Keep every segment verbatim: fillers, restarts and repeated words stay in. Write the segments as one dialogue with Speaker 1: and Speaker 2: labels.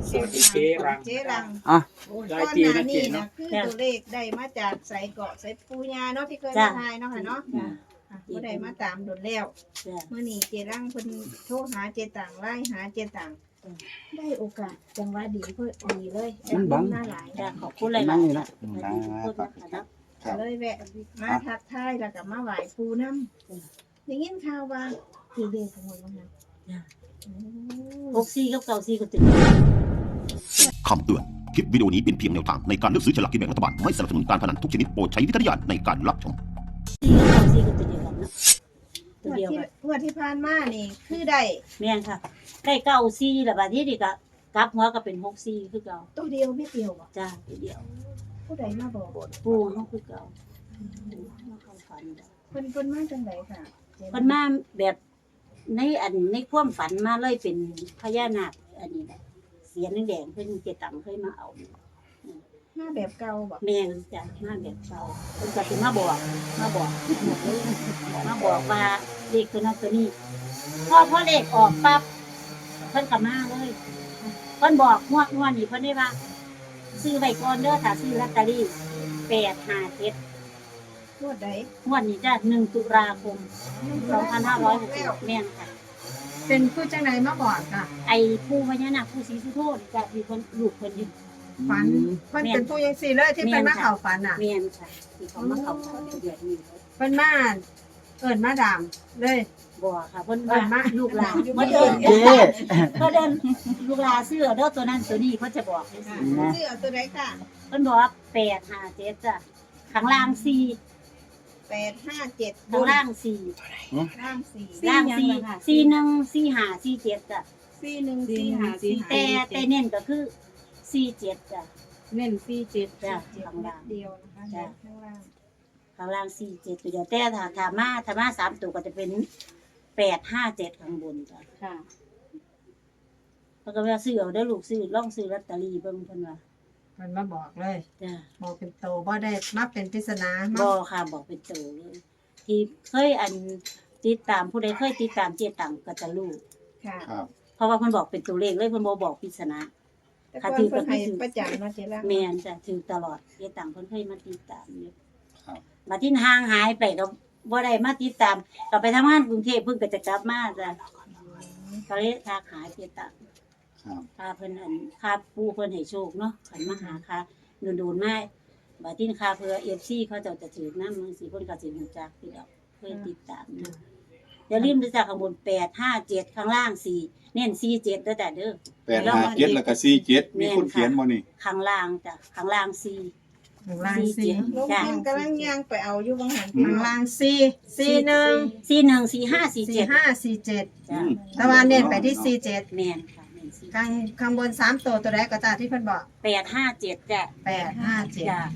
Speaker 1: สวัสดีเจรัง
Speaker 2: เจรัง
Speaker 3: อ่ะ
Speaker 1: หลาย
Speaker 2: ก้อน
Speaker 1: ปี
Speaker 2: หน้า
Speaker 1: นะเจ
Speaker 2: นี่นะ
Speaker 1: เนาะ
Speaker 2: คือตัวเลขได้มาจากใส่เกาะใส่ปูยาเนาะที่เคย
Speaker 4: จ้ะ
Speaker 2: มาทายเนาะค่ะเนาะ
Speaker 4: จ้ะ
Speaker 2: อ่ะบ่ได้มาตามโดนแล้ว
Speaker 4: จ้ะ
Speaker 2: เมื่อนี้เจรังเพิ่นโทรหาเจต่างไล่หาเจต่าง
Speaker 4: อืม
Speaker 2: ได้โอกาสจังหวะดีเพิ่นดีเลย
Speaker 3: มันบัง
Speaker 2: หน้าหลาย
Speaker 4: จ้ะขอบคุณหลาย
Speaker 3: นั่
Speaker 4: ๆ
Speaker 3: งนี่นะ
Speaker 4: สวัสดีทุกคนนะคะเนาะ
Speaker 5: ครับ
Speaker 2: เลยแวะมาทักทายแล้วก็มาไหว้ปูน้ำได้ยินข่าวว่าคือเลขของมันว่างั้น
Speaker 4: จ้ะ
Speaker 2: โอ้
Speaker 4: หกซี่กับเก้าซี่ก็ติด
Speaker 6: คำเตือน คลิปวิดีโอนี้เป็นเพียงแนวทางในการเลือกซื้อฉลากกินแบ่งรัฐบาล ไม่สนับสนุนการพนันทุกชนิดโปรดใช้วิจารณญาณในการรับชม
Speaker 4: ซี่กับเก้าซี่ก็ติดเดียวกันเนาะตัว
Speaker 2: งวด
Speaker 4: เดียว
Speaker 2: ที่
Speaker 4: กัน
Speaker 2: งวดที่ผ่านมานี่คือได้
Speaker 4: แม่นค่ะ ได้เก้าซี่แล้วบัดนี้นี่ก็กลับหัวก็เป็นหกซี่คือเก่า
Speaker 2: ตัวเดียวไม่เดียวอ่ะ
Speaker 4: จ้ะตัวเดียว
Speaker 2: ผู้ใดมาบอก
Speaker 4: ปูเฮาคือเก่ามาเข้าฝันจ้ะ
Speaker 2: เพิ่นเพิ่นมาจังไดค่ะ
Speaker 4: เพิ่นมาแบบในอันในความฝันมาเลยเป็นพญานาคอันนี้แหละเสียนแดงๆเพิ่นเจตังเคยมาเอา
Speaker 2: มาแบบเก่าบ่
Speaker 4: แม่นจ้ะมาแบบเก่าเพิ่นก็สิมาบอกมาบอกมาบอกว่าเลขตัวนั้นตัวนี้พอพอเลขออกปั๊บเพิ่นก็มาเลยเพิ่นบอกงวดงวดนี้เพิ่นได้ว่าซื้อไว้ก่อนเด้อถ้าซื้อลอตเตอรี่แปดห้าเจ็ด
Speaker 2: งวดใด
Speaker 4: งวดนี้จ้ะหนึ่งตุลาคมสองพันห้าร้อยหกสิบแม่นค่ะ
Speaker 2: เป็นผู้จังไดมาบอกค่ะ
Speaker 4: ไอ้ผู้พญานาคผู้ศรีสุโธจ้ะที่เพิ่นลูกเพิ่นอยู่
Speaker 2: ฝันเพิ่นเป็นผู้ยังสี่เลยที่
Speaker 4: แม่
Speaker 2: เพิ่น
Speaker 4: น
Speaker 2: มา
Speaker 4: ค่ะ
Speaker 2: เข้าฝันน่ะ
Speaker 4: แม่นค่ะที่เขามาเข้าฝันเดือนนี้
Speaker 2: เพิ่นมาเอิ้นมาดามเลย
Speaker 4: บ่ค่ะเพิ่น
Speaker 2: เอิ้นมา
Speaker 4: ว่าลูกหลาน
Speaker 2: อยู่
Speaker 4: มา
Speaker 2: เดิ
Speaker 4: เดิ
Speaker 2: น
Speaker 4: น
Speaker 3: เจ๊
Speaker 4: เพิ่นเดินลูกหลานซื้อเด้อตัวนั้นตัวนี้เพิ่นจะบอกให้ซื้อนะ
Speaker 2: ชื่อเอาตัวใดค่ะ
Speaker 4: เพิ่นบอกว่าแปดห้าเจ็ดจ้ะข้างล่างสี่
Speaker 2: แปดห้าเจ็ด
Speaker 4: ข้างล่างสี่
Speaker 2: ล่างสี่
Speaker 4: ล่างสี่สี่หนึ่งสี่ห้าสี่เจ็ดจ้ะ
Speaker 2: สี่หนึ่งสี่ห้าสี่ห้า
Speaker 4: แต่แต่เน้นก็คือสี่เจ็ดจ้ะ
Speaker 2: เน้นสี่เจ็ด
Speaker 4: จ้ะ
Speaker 2: เจ็ด
Speaker 4: ข้างล่าง
Speaker 2: เดียวนะคะ
Speaker 4: จ้ะ
Speaker 2: ข้างล่าง
Speaker 4: ข้างล่างสี่เจ็ดตัวเดียวแต่ถ้าถ้ามาถ้ามาสามตัวก็จะเป็นแปดห้าเจ็ดข้างบนจ้ะ
Speaker 2: ค่ะ
Speaker 4: แล้วก็ว่าซื้อเอาได้อลูกซื้อล่องซื้อลอตเตอรี่เบิ่งเพิ่นว่า
Speaker 2: มันมาบอกเลย
Speaker 4: จ้ะ
Speaker 2: บอกเป็นโตบ่ได้มาเป็นปริศนามา
Speaker 4: บ่ค่ะบอกเป็นตัวเลยที่เคยอันติดตามผู้ใดเคยติดตามเจตังก็จะรู้
Speaker 2: ค่ะ
Speaker 5: ครับ
Speaker 4: เพราะว่าเพิ่นบอกเป็นตัวเลขเลยเพิ่นบ่บอกปริศนา
Speaker 2: แต่ก่อนเพิ่นให้ประจำมาเจรัง
Speaker 4: แม่นจ้ะถือตลอดเจตังเพิ่นเคยมาติดตามอยู่
Speaker 5: ครับ
Speaker 4: มาที่ห่างหายไปก็บ่ได้มาติดตามก็ไปทำงานกรุงเทพเพิ่นก็จะกลับมาจ้ะก็เลยทักหาเจตัง
Speaker 5: ครับ
Speaker 4: ค่าเพิ่นอันค่าปูเพิ่นให้โชคเนาะขันมาหาค่าโดนๆมาบัดนี้ค่าเพื่อ เอฟ ซี เขาเจ้าจะถือนำจังซี่เพิ่นก็สิรู้จักพี่ดอกเคยติดตามนะอย่าลืมดูจากข้างบนแปด ห้า เจ็ดข้างล่างสี่เน้นสี่ เจ็ดเด้อจ้ะเด้อ
Speaker 5: แปดห้าเจ็ดแล้วก็สี่เจ็ดมีคน
Speaker 4: แม่นค่ะ
Speaker 5: เขียนบ่นี่
Speaker 4: ข้างล่างจ้ะข้างล่างสี่
Speaker 2: ข้างล่าง
Speaker 4: สี่
Speaker 2: สี่
Speaker 4: เจ็ด
Speaker 2: ลง
Speaker 4: จ้ะ
Speaker 2: พิมพ์กำลังย่างไปเอาอยู่บางหันข้างล่างสี่สี่หนึ่ง
Speaker 4: สี่หนึ่งสี่ห้าสี่
Speaker 2: สี่
Speaker 4: เจ็ด
Speaker 2: ห้าสี่เจ็ด
Speaker 4: จ้ะ
Speaker 2: แต่ว่าเน้นไปที่สี่เจ็ด
Speaker 4: แม่นค่ะแม่นสี่
Speaker 2: ข้างข้างบนสามตัวตัวแรกก็จ้าที่เพิ่นบอก
Speaker 4: แปด ห้า เจ็ดจ้ะ
Speaker 2: แปดห้าเจ็ด
Speaker 4: จ้ะ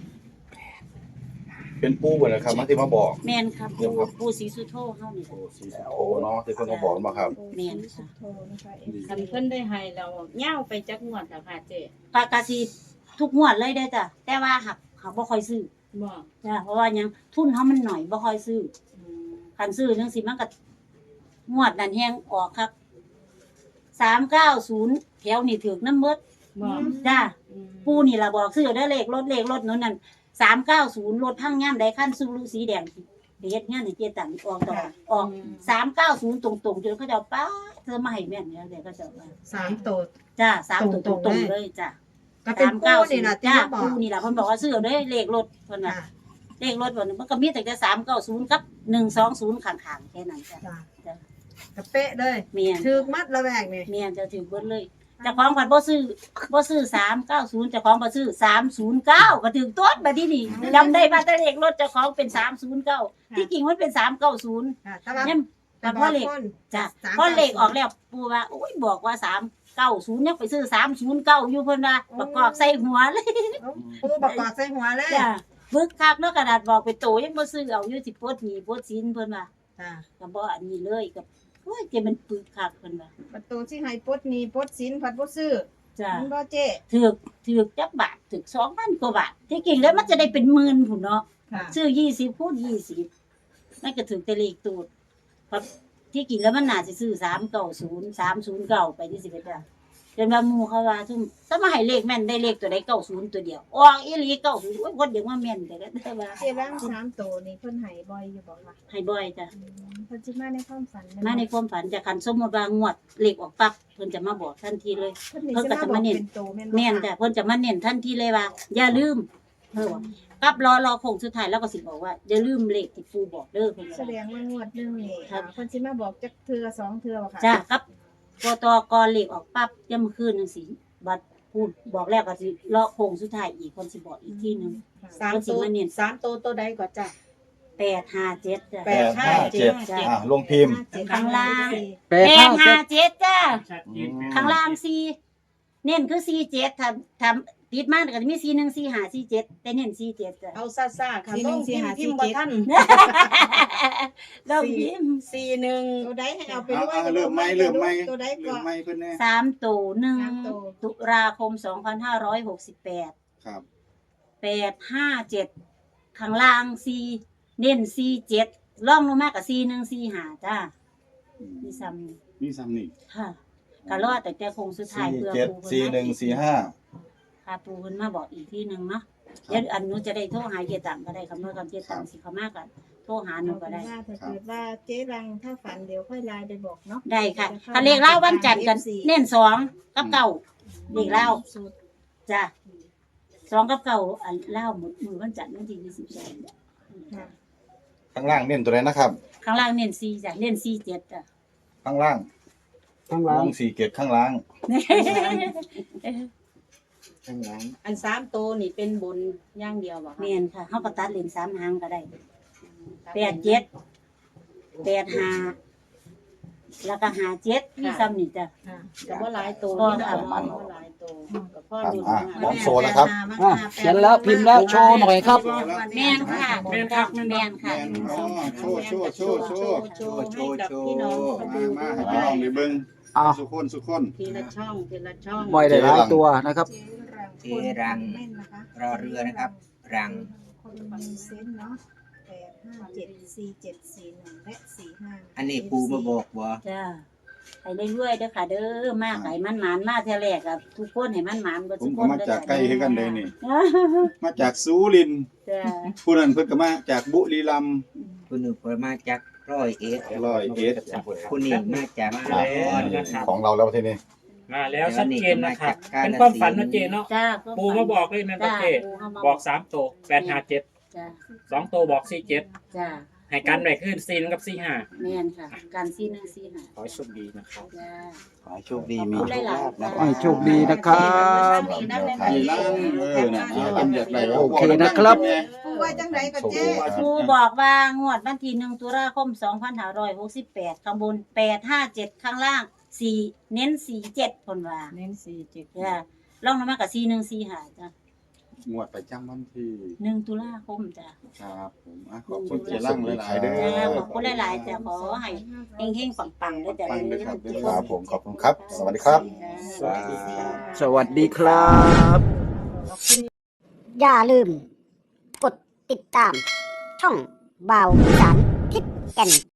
Speaker 5: เป็นปูบ่ล่ะครับมาที่มาบอก
Speaker 4: แม่นครับปูปูศรีสุโธเฮานี่
Speaker 5: โอ้สีโอ้เนาะที่เพิ่นมาบอกมาครับ
Speaker 4: แม่นค่ะ
Speaker 2: โทรนะคะ
Speaker 7: คันเพิ่นได้ให้เราเหย้าไปจักงวดแล้วค่ะเจ๊
Speaker 4: ปากกาสิทุกงวดเลยได้อจ้ะแต่ว่าหักหักบ่ค่อยซื้อ
Speaker 7: บ่
Speaker 4: จ้ะเพราะว่าหยังทุนเฮามันหน่อยบ่ค่อยซื้อ
Speaker 7: อืม
Speaker 4: คันซื้อจังซี่มันก็งวดนั้นแฮงออกครับสามเก้าศูนย์แถวนี่ถึกน้ำเบิด
Speaker 7: บ่
Speaker 4: จ้ะ
Speaker 7: อืม
Speaker 4: ปูนี่ล่ะบอกซื้อเด้อเลขรถเลขรถนู้นนั่นสามเก้าศูนย์รถพังย่ามใดคันซูรุสีแดงไปเฮ็ดงานให้เจตังออกตลอดออกสามเก้าศูนย์ตรงๆจนเขาจะเอาป้าเธอมาให้แม่นแล้วเดี๋ยวก็จะว่า
Speaker 2: สามตัว
Speaker 4: จ้ะสามตัวต
Speaker 2: ตรงๆ
Speaker 4: รงๆ
Speaker 2: เล
Speaker 4: เลย ยจ้ะ
Speaker 2: ก็เป็นปูนี่นะที่
Speaker 4: จ้า
Speaker 2: มาบอก
Speaker 4: ปูนี่แหละเพิ่นบอกว่าซื้อเอาเด้อเลขรถเพิ่นน่ะ
Speaker 2: ค่ะ
Speaker 4: เลขรถเพิ่นมันก็มีแต่แต่สามเก้าศูนย์กับหนึ่งสองศูนย์ข้างๆแค่นั้นจ้ะ
Speaker 2: จ้า
Speaker 4: จ้ะ
Speaker 2: กระเป๊ะเลย
Speaker 4: เมียน
Speaker 2: ถือมัดละแวกนี่
Speaker 4: เมียนจะถือเบิดเลยเจ้าของเพิ่นบ่ซื้อบ่ซื้อสามเก้าศูนย์เจ้าของบ่ซื้อสามศูนย์เก้าก็ถึงต้นบัดนี้นี่จำได้ว่าแต่เลขรถเจ้าของเป็นสามศูนย์เก้าที่จริงมันเป็นสามเก้าศูนย์
Speaker 2: ค่ะแต่ว่า
Speaker 4: เนี่ยแต่พอเลข
Speaker 2: คน
Speaker 4: จ้ะ
Speaker 2: สาม
Speaker 4: พอเลขออกแล้วปู่ว่าโอ้ยบอกว่าสามเก้าศูนย์ยังไปซื้อสามศูนย์เก้าอยู่เพิ่นว่าประกอบใส่หัวเลย
Speaker 2: ปูประกอบใส่หัวเลย
Speaker 4: จ้ะบึกคักเนาะกระดาษบอกไปโตยังบ่ซื้อเอาอยู่สิปลดหนี้ปลดสินเพิ่นว่า
Speaker 2: จ้า
Speaker 4: ก็บ่อันนี้เลยกับโอ้ยเจมันปึกคักเพิ่นว่า
Speaker 2: ประตูที่ให้ปลดหนี้ปลดสินผัดบ่ซื้อ
Speaker 4: จ้ะ
Speaker 2: มันบ่เจ๊
Speaker 4: ถูกถูกจักบาทถูกสองพันกว่าบาทที่จริงแล้วมันจะได้เป็นหมื่นพุ่นเนาะ
Speaker 2: ค่ะ
Speaker 4: ซื้อยี่สิบคูณยี่สิบนั่นก็ถูกแต่เลขตูดเพราะที่จริงแล้วมันน่าสิซื้อสามเก้าศูนย์ สามศูนย์เก้าไปที่สิบเอ็ดจ้ะจนว่าหมู่เขาว่าซุ่มถ้ามาให้เลขแม่นได้เลขตัวใดเก้าศูนย์ตัวเดียวออกอีหลีเก้าศูนย์โอ้ยคนเดียวว่าแม่นแต่ก็แต่ว่า
Speaker 2: เจร่างสามโตนี่เพิ่นให้บ่อยอยู่บ่คะ
Speaker 4: ให้บ่อยจ้ะ
Speaker 2: อืมเพิ่นสิมาในความฝันแ
Speaker 4: มาในความฝันจะคันสมมุติว่างวดเลขออกปั๊บเพิ่นจะมาบอกทันทีเลย
Speaker 2: เพิ่นนี่
Speaker 4: เพิ่น
Speaker 2: สิ
Speaker 4: ก็
Speaker 2: มา
Speaker 4: จะ
Speaker 2: บอ
Speaker 4: มาก เน้น
Speaker 2: เป็นโตแม่นบ่
Speaker 4: แม่น
Speaker 2: คะ
Speaker 4: จ้ะเพิ่นจะมาเน้นทันทีเลยว่า อย่าลืมเออว่ะกับรอรอโค้งสุดท้ายแล้วก็สิบอกว่าอย่าลืมเลขที่ปู่บอกเด้อเพิ่น
Speaker 2: แส
Speaker 4: ว่า
Speaker 2: ดงว่างวดหนึงนี่
Speaker 4: ครับ
Speaker 2: เพิ่นสิมาบอกจักเทื่อสองเทื่อบ่คะ
Speaker 4: จ้ะครับกตกเลขออกปั๊บยามมื้อคืนจังซี่บัดพูดบอกแล้วก็สิรอโค้งสุดท้ายอีกเพิ่นสิบอกอีกทีหนึง
Speaker 1: สามตัวสามตัวตัวใดก็จ้ะ
Speaker 4: แปดห้าเจ็ดจ้ะ
Speaker 1: แปดห้าเจ็ด
Speaker 4: จ้ะ
Speaker 5: อ่าลงพิมพ์
Speaker 4: ข้างล่าง
Speaker 3: แป
Speaker 4: แป
Speaker 3: ด
Speaker 4: ด
Speaker 3: ห้า
Speaker 4: ห้า
Speaker 3: เจ็ด
Speaker 4: เจ็ดจ้ะ
Speaker 8: ชัดเจน
Speaker 4: ข้างล่างสี่เน้นคือสี่เจ็ดถ้าถ้าติดมากก็จะมีสี่หนึ่งสี่ห้าสี่เจ็ดแต่เน้นสี่เจ็ดจ้ะ
Speaker 1: เอาซ่าซ่าๆค่ะต้องพิมพ์พิมพ์บ่ทัน
Speaker 4: เราพิมพ์
Speaker 1: สี่หนึ่ง
Speaker 2: ตัวใดให้เอาไป
Speaker 5: เอา
Speaker 2: ด้วย
Speaker 5: เอาเริ่มไหมเริ่มไหม
Speaker 2: ตัวใด
Speaker 5: เริ่
Speaker 2: ก็
Speaker 5: มไหมเพิ่นแน่
Speaker 4: สามตัวหนึ่ง
Speaker 2: สามตัว
Speaker 4: ตุลาคมสองพันห้าร้อยหกสิบแปด
Speaker 5: ครับ
Speaker 4: แปดห้าเจ็ดข้างล่างสี่เน้นสี่เจ็ดล่องลงมากกับสี่หนึ่งสี่ห้าจ้า
Speaker 5: อืม
Speaker 4: มีซ้ำนี่
Speaker 5: มีซ้ำนี่
Speaker 4: ค่ะก็รอดแต่แต่คงสุดท้าย
Speaker 5: สี่
Speaker 4: เพื่อ
Speaker 5: เจ็ด
Speaker 4: ปูเพิ่
Speaker 5: สี่
Speaker 4: น
Speaker 5: หนึ่ง
Speaker 4: มา
Speaker 5: สี่ห้า
Speaker 4: ค่ะปูเพิ่นมาบอกอีกที่หนึ่งเนาะเดี๋ยวอันหนู้จะได้โทรหาเจตังก็ได้คำเมื่อกับเจตังสิเขามากกันโทรหาหนู
Speaker 2: เอา
Speaker 4: ก็
Speaker 2: เป็น
Speaker 4: ได้
Speaker 2: ว่าถ้าเกิดว่าเจ๊รังถ้าฝันเดี๋ยวค่อยไลน์ไปบอกเนาะ
Speaker 4: ได้ค่ะคันเลขเล่าวันจันทร์กันเน้นสองกับเก่าเลขเล่า
Speaker 2: สูตร
Speaker 4: จ้ะสองกับเก่าอันเล่ามือมือวันจันทร์วันที่ยี่สิบสอง
Speaker 2: ค่ะ
Speaker 5: ข้างล่างเน้นตัวไหนนะครับ
Speaker 4: ข้างล่างเน้นสี่จ้ะเน้นสี่เจ็ดจ้ะ
Speaker 5: ข้างล่าง
Speaker 3: ข้าง
Speaker 5: ล
Speaker 3: ล่าง
Speaker 5: งสี่เจ็ดข้างล่าง
Speaker 3: ข้างล่าง
Speaker 1: อันสามตัวนี่เป็นบนอย่างเดียวบ่คะ
Speaker 4: เมียนค่ะเขาก็ตัดเลนสามหางก็ได้แปดเจ็ดแปดห้าแล้วก็ห้าเจ็ดมีซ้ำนี่จ้ะ
Speaker 1: ค่ะก็บ่หลายตัว
Speaker 4: ก็
Speaker 1: นี่
Speaker 4: ค่ะ
Speaker 1: นะบ่หลายตัวก็พอ
Speaker 5: ครับ
Speaker 1: ดู
Speaker 5: อ่ะ
Speaker 1: นะ
Speaker 5: พร้อมโชว์แล้วครับ
Speaker 3: อ่ะเขียนแล้วพิมพ์แล้วโชว์หน่อยครับ
Speaker 4: แม่นค่ะแม่นค่ะแม่นค่ะ
Speaker 5: อ๋อโชว์โชว์โชว์โชว์
Speaker 1: โชว์ให้กับพี่น้องเขา
Speaker 5: มา
Speaker 1: ดู
Speaker 5: มาให้พี่น้องได้เบิ่ง
Speaker 3: อ่ะ
Speaker 5: สุกคนสุกคน
Speaker 1: ทีละช่องทีละช่อง
Speaker 3: ไม่ได้หลายตัวนะครับ
Speaker 2: เจ๊รังคนแม่นนะคะ
Speaker 9: รอเรือนะครับ รัง
Speaker 2: คนมีเซนส์เนาะแปดห้าเจ็ดสี่เจ็ดสี่หนึ่งและสี่ห้า
Speaker 9: อันนี้ปูมาบอกบ่
Speaker 4: จ้าไปเรื่อยๆเด้อค่ะเด้อมากไก่มันหมานมาเท่าแรกกับทุกคนให้มันหมานบ่
Speaker 5: ผ
Speaker 4: ทุ
Speaker 5: ม
Speaker 4: กค
Speaker 5: ก็
Speaker 4: น
Speaker 5: มาจากใกล้คือกันเลยนี่
Speaker 4: จ้า
Speaker 5: มาจากสุรินทร์
Speaker 4: จ้า
Speaker 5: ผู้นั้นเพิ่นก็มาจากบุรีรัมย์
Speaker 9: คุณหนึ่งมาจากร้อยเอ็ด
Speaker 5: ร้อยเอ็ด
Speaker 9: คุณนี่มาจาก
Speaker 8: มา
Speaker 9: อุ
Speaker 8: แล้ว
Speaker 9: ดร
Speaker 8: นะครับ
Speaker 5: ของเราแล้วทีนี้
Speaker 8: มาแล้วชัดเจนนะครับ
Speaker 9: แต่ว่านี่
Speaker 8: เป็นความฝันนะเจเนาะ
Speaker 4: จ้า
Speaker 8: ปูมาบอกเลยแม่นบ่
Speaker 4: จ้า
Speaker 8: เจ
Speaker 4: ปูเข้ามา
Speaker 8: บอกสามตัวแปดห้าเจ็ด
Speaker 4: จ้า
Speaker 8: สองตัวบอกสี่เจ็ด
Speaker 4: จ้า
Speaker 8: ให้กันไว้ขึ้นสี่กับสี่ห้า
Speaker 4: แม่นค่ะ การซีหนึ่งซีห้า
Speaker 8: ขอให้โชคดีนะครับ
Speaker 4: จ้า
Speaker 9: ขอให้โชคดีมี
Speaker 4: ขอบคุณ
Speaker 9: โชค
Speaker 4: หลาย
Speaker 9: ลาภ
Speaker 4: ๆ
Speaker 9: นะ
Speaker 3: ขอให้โชคดีนะครับ
Speaker 5: มีล่างเออน่ะเป็นจากไหน
Speaker 3: โอเคนะครับ
Speaker 2: ปูว่าจังไดก็เจ๊
Speaker 4: ครูบอกว่างวดวันที่หนึ่งตุลาคมสองพันห้าร้อยหกสิบแปดข้างบนแปดห้าเจ็ดข้างล่างสี่เน้นสี่เจ็ดคนว่า
Speaker 1: เน้นสี่เจ็ด
Speaker 4: จ้าลองลงมากับสี่หนึ่งสี่ห้าจ้าง
Speaker 5: วดประจำวันที่
Speaker 4: หนึ่งตุลาคมจ้า
Speaker 5: ครับผมอ่ะขอบคุณเจร่างหลายๆเด้อ
Speaker 4: จ้าขอบคุณหลายๆจ้าขอให้เฮงๆปังๆด้วยจ้า
Speaker 5: ปังด้วยครับครับผมขอบคุณครับ สวัสดีครับ
Speaker 4: สวัสดีค่ะ
Speaker 3: สวัสดีครับ
Speaker 10: อย่าลืม กดติดตาม ช่องบ่าวสารทิศแก่น